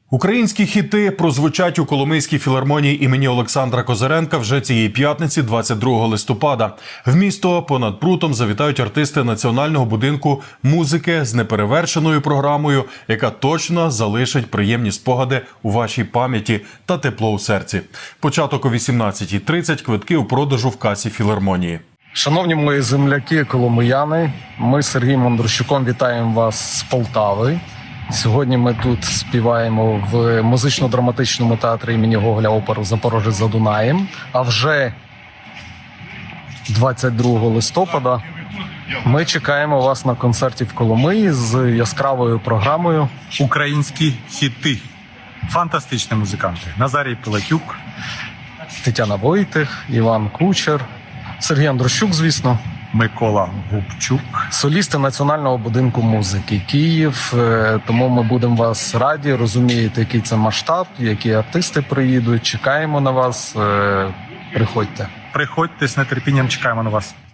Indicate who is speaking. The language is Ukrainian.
Speaker 1: Українські хіти прозвучать у Коломийській філармонії імені Олександра Козиренка вже цієї п'ятниці, 22 листопада. В місто понад прутом завітають артисти Національного будинку музики з неперевершеною програмою, яка точно залишить приємні спогади у вашій пам'яті та тепло у серці. Початок о 18:30, квитки у продажу в касі філармонії.
Speaker 2: Шановні мої земляки, коломияни, ми з Сергієм Андрущуком вітаємо вас з Полтави. Сьогодні ми тут співаємо в музично-драматичному театрі імені Гоголя оперу «Запорожець за Дунаєм». А вже 22 листопада ми чекаємо вас на концерті в Коломиї з яскравою програмою.
Speaker 3: Українські хіти. Фантастичні музиканти. Назарій Пилатюк,
Speaker 2: Тетяна Войтих, Іван Кучер, Сергій Андрущук, звісно.
Speaker 3: Микола Губчук.
Speaker 2: Солісти Національного будинку музики Київ. Тому ми будемо вас раді, розумієте, який це масштаб, які артисти приїдуть. Чекаємо на вас. Приходьте.
Speaker 3: Приходьте, з нетерпінням чекаємо на вас.